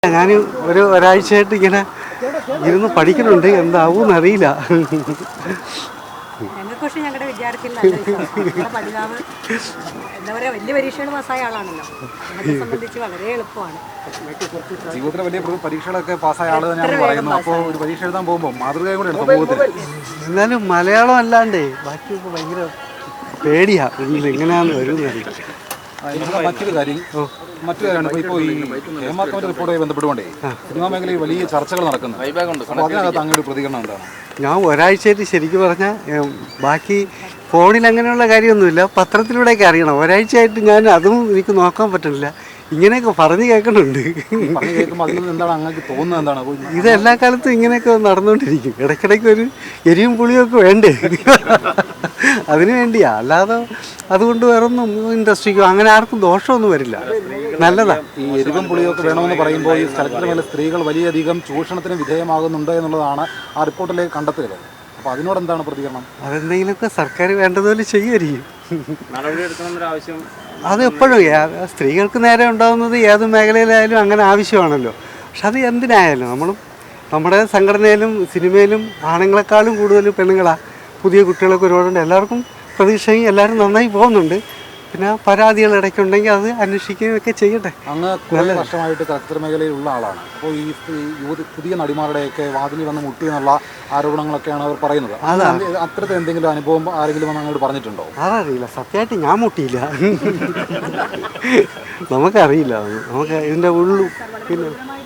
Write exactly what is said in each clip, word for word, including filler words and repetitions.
ഞാൻ ഒരു ഒരാഴ്ചയായിട്ട് ഇങ്ങനെ ഇരുന്ന് പഠിക്കുന്നുണ്ട്, എന്താവും അറിയില്ല. ഞങ്ങൾക്ക് പക്ഷേ ഞങ്ങളുടെ വിദ്യാർത്ഥികൾ പഠിതാവ് എന്താ പറയുക, വലിയ പരീക്ഷകൾ പാസ്സായ ആളാണല്ലോ. എന്നെ സംബന്ധിച്ച് വളരെ എളുപ്പമാണ്. ജീവിതത്തിലെ വലിയ പരീക്ഷകളൊക്കെ പാസ്സായ ആൾ തന്നെയാണ് പറയുന്നത്. അപ്പോൾ ഒരു പരീക്ഷ എഴുതാൻ പോകുമ്പോൾ മാതൃകയും കൂടെ സമൂഹത്തിൽ. എന്നാലും മലയാളം അല്ലാണ്ടേ ബാക്കിയൊക്കെ ഭയങ്കര പേടിയാ, എങ്ങനെയാണെന്ന് വരുന്നറിയില്ല. മറ്റൊരു കാര്യം മറ്റു കാര്യമാണ് ഇപ്പോൾ ഈ ഹേമാക്കോന്റെ റിപ്പോർട്ടുമായി ബന്ധപ്പെട്ടുകൊണ്ടേ സിനിമാ മേഖലയിൽ വലിയ ചർച്ചകൾ നടക്കുന്നു. അപ്പോൾ അതിനകത്ത് അങ്ങയുടെ പ്രതികരണം എന്താണ്? ഞാൻ ഒരാഴ്ചയായിട്ട് ശരിക്കും പറഞ്ഞാൽ ബാക്കി ഫോണിൽ അങ്ങനെയുള്ള കാര്യമൊന്നുമില്ല, പത്രത്തിലൂടെയൊക്കെ അറിയണം. ഒരാഴ്ചയായിട്ട് ഞാൻ അതും എനിക്ക് നോക്കാൻ പറ്റുന്നില്ല. ഇങ്ങനെയൊക്കെ പറഞ്ഞു കേൾക്കുന്നുണ്ട്. എന്താണ് അങ്ങക്ക് തോന്നുന്നത്? എന്താണ് ഇത് എല്ലാ കാലത്തും ഇങ്ങനെയൊക്കെ നടന്നുകൊണ്ടിരിക്കും. ഇടയ്ക്കിടയ്ക്ക് ഒരു എരിവും പുളിയൊക്കെ വേണ്ടേ, അതിനു വേണ്ടിയാ. അല്ലാതെ അതുകൊണ്ട് വേറൊന്നും ഇൻഡസ്ട്രിക്കോ അങ്ങനെ ആർക്കും ദോഷമൊന്നും വരില്ല, നല്ലതാ. ഈ എരിവും പുളിയൊക്കെ വേണമെന്ന് പറയുമ്പോൾ ഈ സ്ഥലത്തിന് മേലെ സ്ത്രീകൾ വലിയധികം ചൂഷണത്തിന് വിധേയമാകുന്നുണ്ട് എന്നുള്ളതാണ് ആ റിപ്പോർട്ടിലേക്ക് കണ്ടെത്തിയത്. അപ്പോൾ അതിനോട് എന്താണ് പ്രതികരണം? അതെന്തെങ്കിലുമൊക്കെ സർക്കാർ വേണ്ടതുപോലെ ചെയ്യുമായിരിക്കും. ആവശ്യം അത് എപ്പോഴും സ്ത്രീകൾക്ക് നേരെ ഉണ്ടാകുന്നത് ഏത് മേഖലയിലായാലും അങ്ങനെ ആവശ്യമാണല്ലോ. പക്ഷെ അത് എന്തിനായാലും നമ്മളും നമ്മുടെ സംഘടനയിലും സിനിമയിലും ആണുങ്ങളെക്കാളും കൂടുതൽ പെണ്ണുങ്ങളാണ്. പുതിയ കുട്ടികളൊക്കെ ഒരുപാടുണ്ട്. എല്ലാവർക്കും പ്രതീക്ഷയും എല്ലാവരും നന്നായി പോകുന്നുണ്ട്. പിന്നെ പരാതികൾ ഇടയ്ക്കുണ്ടെങ്കിൽ അത് അന്വേഷിക്കുകയൊക്കെ ചെയ്യട്ടെ. അങ്ങ് കുറേ വർഷമായിട്ട് ചലച്ചിത്ര മേഖലയിലുള്ള ആളാണ്. അപ്പോൾ ഈ യുവതി പുതിയ നടിമാരുടെയൊക്കെ വാതിലിൽ വന്ന് മുട്ടി എന്നുള്ള ആരോപണങ്ങളൊക്കെയാണ് അവർ പറയുന്നത്. അത്തരത്തിൽ എന്തെങ്കിലും അനുഭവം ആരെങ്കിലും വന്ന് അങ്ങോട്ട് പറഞ്ഞിട്ടുണ്ടോ? അതറിയില്ല, സത്യമായിട്ട് ഞാൻ മുട്ടിയില്ല. നമുക്കറിയില്ല, നമുക്ക് ഇതിൻ്റെ ഉള്ളു. പിന്നെ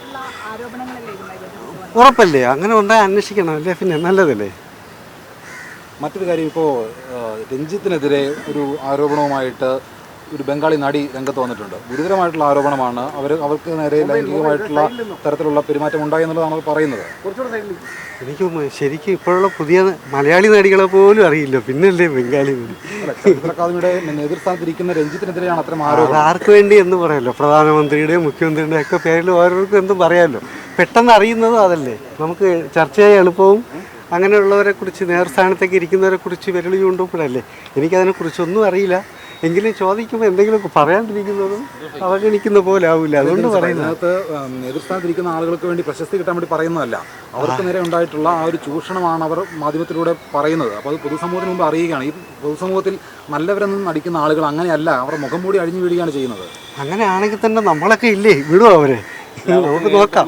ഉറപ്പല്ലേ, അങ്ങനെ ഉണ്ടായി അന്വേഷിക്കണം അല്ലേ, പിന്നെ നല്ലതല്ലേ. മറ്റൊരു കാര്യം, ഇപ്പോൾ രഞ്ജിത്തിനെതിരെ ഒരു ആരോപണവുമായിട്ട് ഒരു ബംഗാളി നടി രംഗത്ത് വന്നിട്ടുണ്ട്. ഗുരുതരമായിട്ടുള്ള ആരോപണമാണ്. അവർ അവർക്ക് നേരെ ലൈംഗികമായിട്ടുള്ള തരത്തിലുള്ള പെരുമാറ്റം ഉണ്ടായി എന്നുള്ളതാണ് അവർ പറയുന്നത്. എനിക്ക് ശരിക്കും ഇപ്പോഴുള്ള പുതിയ മലയാളി നടികളെ പോലും അറിയില്ല, പിന്നല്ലേ ബംഗാളി നടി. ചലച്ചിത്ര അക്കാദമിയുടെ നേതൃസ്ഥാനത്തിരിക്കുന്ന രഞ്ജിത്തിനെതിരെയാണ് അത്തരം ആരോപണം. ആർക്ക് വേണ്ടി എന്ന് പറയാമല്ലോ, പ്രധാനമന്ത്രിയുടെയും മുഖ്യമന്ത്രിയുടെയും ഒക്കെ പേരിൽ ഓരോരുത്തർക്കും എന്തും പറയാമല്ലോ. പെട്ടെന്ന് അറിയുന്നതും അതല്ലേ, നമുക്ക് ചർച്ച ചെയ്യാൻ എളുപ്പവും. അങ്ങനെയുള്ളവരെ കുറിച്ച് നേർസ്ഥാനത്തേക്ക് ഇരിക്കുന്നവരെ കുറിച്ച് വിരളി കൊണ്ടുപോഴല്ലേ. എനിക്കതിനെക്കുറിച്ചൊന്നും അറിയില്ല. എങ്കിലും ചോദിക്കുമ്പോൾ എന്തെങ്കിലുമൊക്കെ പറയാണ്ടിരിക്കുന്നതും അവഗണിക്കുന്ന പോലെ ആവില്ല, അതുകൊണ്ട് പറയുന്നത്. അതിനകത്ത് നേതൃസ്ഥാനത്തിരിക്കുന്ന ആളുകൾക്ക് വേണ്ടി പ്രശസ്തി കിട്ടാൻ വേണ്ടി പറയുന്നതല്ല, അവർക്ക് നേരെ ഉണ്ടായിട്ടുള്ള ആ ഒരു ചൂഷണമാണ് അവർ മാധ്യമത്തിലൂടെ പറയുന്നത്. അപ്പോൾ അത് പൊതുസമൂഹത്തിന് മുമ്പ് അറിയുകയാണ്. ഈ പൊതുസമൂഹത്തിൽ നല്ലവരെന്നും നടിക്കുന്ന ആളുകൾ അങ്ങനെയല്ല, അവർ മുഖം മൂടി അഴിഞ്ഞു വീഴുകയാണ് ചെയ്യുന്നത്. അങ്ങനെയാണെങ്കിൽ തന്നെ നമ്മളൊക്കെ ഇല്ലേ വിടുവോ അവരെ? നമുക്ക് നോക്കാം.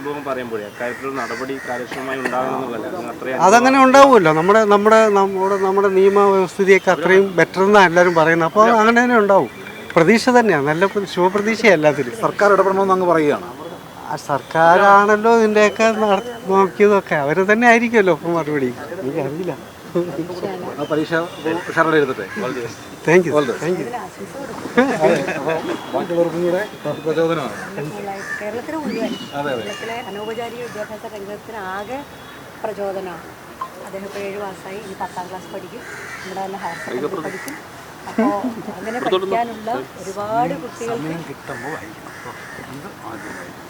അതങ്ങനെ ഉണ്ടാവുമല്ലോ. നമ്മുടെ നമ്മുടെ നമ്മുടെ നമ്മുടെ നിയമവ്യവസ്ഥിതിയൊക്കെ അത്രയും ബെറ്റർ എന്നാണ് എല്ലാവരും പറയുന്നത്. അപ്പോൾ അങ്ങനെ തന്നെ ഉണ്ടാവും. പ്രതീക്ഷ തന്നെയാണ്, നല്ല ശുഭപ്രതീക്ഷയാണ് എല്ലാത്തിലും. സർക്കാർ ഇടപെടണമെന്ന് അങ്ങ് പറയുകയാണ്. ആ സർക്കാരാണല്ലോ ഇതിൻ്റെയൊക്കെ നോക്കിയതൊക്കെ, അവർ തന്നെ ആയിരിക്കുമല്ലോ ഇപ്പം മറുപടി. എനിക്കറിയില്ല. പരീക്ഷ ഉഷാറായി എഴുതട്ടെ. Thank you thank you. ബാക്കിയുള്ളവർക്കും കൂടെ പ്രചോദനമാണ്. കേരളത്തിന് മുഴുവൻ കേരളത്തിലെ അനൗപചാരിക വിദ്യാഭ്യാസ രംഗത്തിന് ആകെ പ്രചോദനമാണ്. അദ്ദേഹം ഇപ്പോൾ ഏഴ് മാസമായി, ഇനി പത്താം ക്ലാസ് പഠിക്കും, ഇവിടെ തന്നെ ഹയർ സെക്കൻഡറി പഠിക്കും. അപ്പോൾ അങ്ങനെ പഠിക്കാനുള്ള ഒരുപാട് കുട്ടികൾക്ക്